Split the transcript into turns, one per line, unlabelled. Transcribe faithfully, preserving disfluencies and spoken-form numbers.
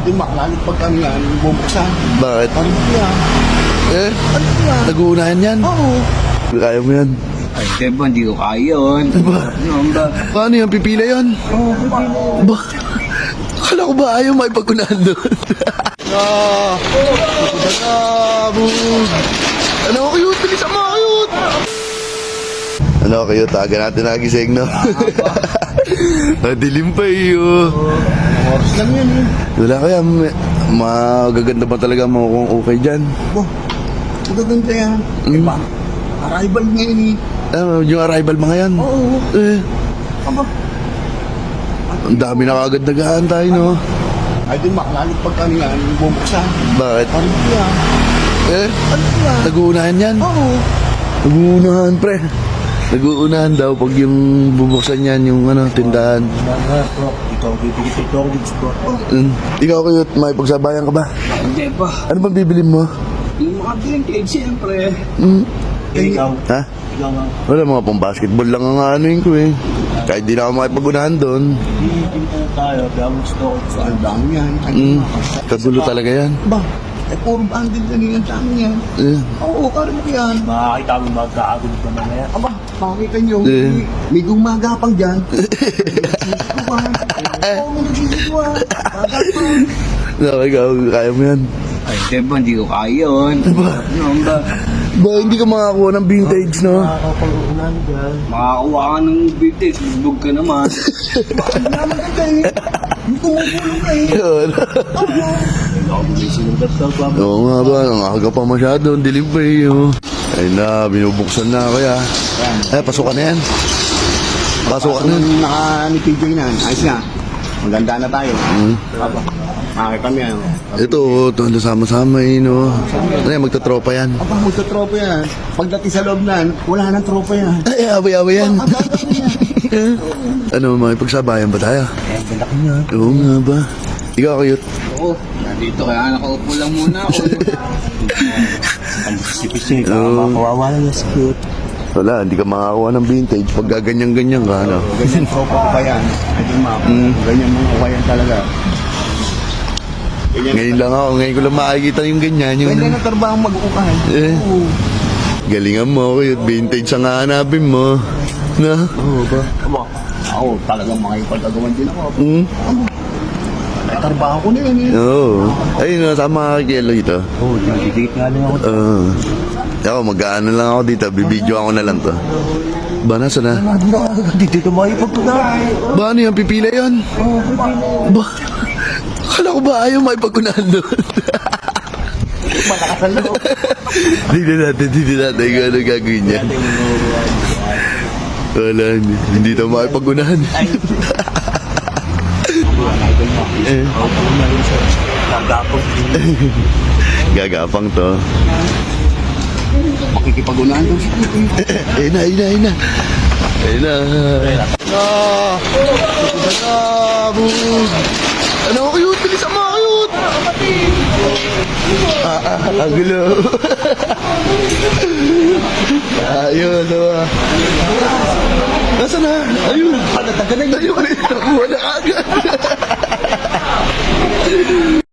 Idol Mac, lalit pag kami yan, bubuksan.
Bakit?
Ano ba yan?
Eh,
Ano ba yan?
nag-uunahan yan.
Oo.
Kaya mo yan.
Ay, diba, hindi ko kaya yun.
Ba?
Ano ba?
Paano yan? Pipila yan?
Oo, pipili.
Ba? Akala ko ba ayaw makipag-unahan doon? Ah! Nakuda na! Bug! Ano ko cute? Bilisan mo cute! Ano cute? Taga natin nagising, no? Nadilim pa iyo.
Anong oras lang yan eh.
Wala kaya, may- magaganda ba talaga mo kung okay dyan?
Bo, magaganda yan.
Mm.
Diba? Arrival ngayon eh.
Ah, yung arrival mga yan.
Oo.
Eh,
Aba,
ang dami na kagad nag-aantay, no?
Idol Mac, lalit pag kami yan, bubuksan.
Bakit?
Ano ba yan?
Eh,
Ano ba yan?
nag-uunahan yan.
Oo.
Nag-uunahan, pre. Nag-uunahan daw pag yung bubuksan yan, yung ano, tindahan.
Ikaw, bibigit ito, gusto.
Mm. Ikaw cute, may pagsabayan ka ba?
Hindi pa.
Ano bang bibilin mo?
Yung mga bilang cake, siyempre.
Mm.
Ikaw.
Ha?
Ikaw nga.
Wala, mga pang basketball lang ang anuin ko eh. Kahit di na ako makipag-unahan doon.
Bibigit po tayo, kaya gusto ko. So, ang dami yan.
Mm. Kagulo talaga yan.
Ba, eh puro bandit na niyan sa amin yan.
Eh.
Oo, karin mo yan.
Makakita mo magkakagod ka na yan.
Aba, makikita nyo,
Eh.
may, may gumagapang dyan. Nagsisiguan. Oo, may nagsisiguan. Gagapang.
No, ikaw, kaya mo yan.
Ay, diba, hindi ko kaya yun.
Ba?
Ano ba?
Ba, hindi ka makakuha ng vintage, no?
Makakapag-unan dyan.
Makakuha ka ng vintage, bubog ka naman.
Bakit naman ganda eh? Yung tumutulong ka eh.
Yun.
Hindi ako may sinulat daw ba?
Oo nga ba, ang aga pa masyado, ang dilim pa eh. Oh. Ay na, binubuksan na kaya. Eh, pasukan na yan. Pasukan na.
Nung naka ni P J na, ayos na. Maganda na tayo.
Mm.
Aba, makikita mo yan.
Ito, ito, ang sama-sama eh, no? Ano yan, magtatropa yan.
Aba, magka-tropa yan. Pagdating sa loob na, wala nang tropa yan.
Ay, away-away yan.
Ang gagawin niya.
Ano, makipagsabayan ba tayo?
Eh, balaki niya.
Oo nga ba? Ikaw, cute.
Oo, nandito kaya nakaupo lang muna ako.
Ang sipis niya,
Oo.
kawawa lang yung cute.
Wala, hindi ka makakuha ng vintage pag gaganyan-ganyan ka, ano?
Ganyan tropa ko ba yan? Idol Mac.
Mm.
Ganyan mga kawayan talaga. Ganyan,
Ngayon lang ako, ngayon ko lang makikita yung ganyan. Yung...
ganyan ang trabaho mag-uukahan.
Eh.
Oo.
Galingan mo, cute. Vintage ang hahanapin mo. Na?
Oo ba? Aba, ako talagang makipagagawan din ako.
Hmm?
Ay, trabaho ko na yan eh.
Oo. Ayun, nasama ka kay Elo dito.
Oo, didikit nga lang ako.
Oo. Ako, mag-ano lang ako dito. Bibidyo ako na lang to. Ba, nasa na?
Nandun ako agad dito makipag-unan.
Ba, ano yan? Pipila yan?
Oo, pipili.
Ba? Akala ko ba ayaw makipag-unahan doon?
Malakas ang loob.
Hindi natin, hindi natin kung ano gagawin niya. Wala, hindi, hindi na makipag-unahan. Eh,
Nagapag.
gagapang to.
Makikipag-unahan daw si Titi.
Eh na, eh na, eh na. Eh na. Ah! Nakuda na! Bug! Ano ko cute? Bilisan mo cute! Ah, ah, ang gulo. Ayun, diba? Nasaan na? Ayun. Ayun, nakuha na agad.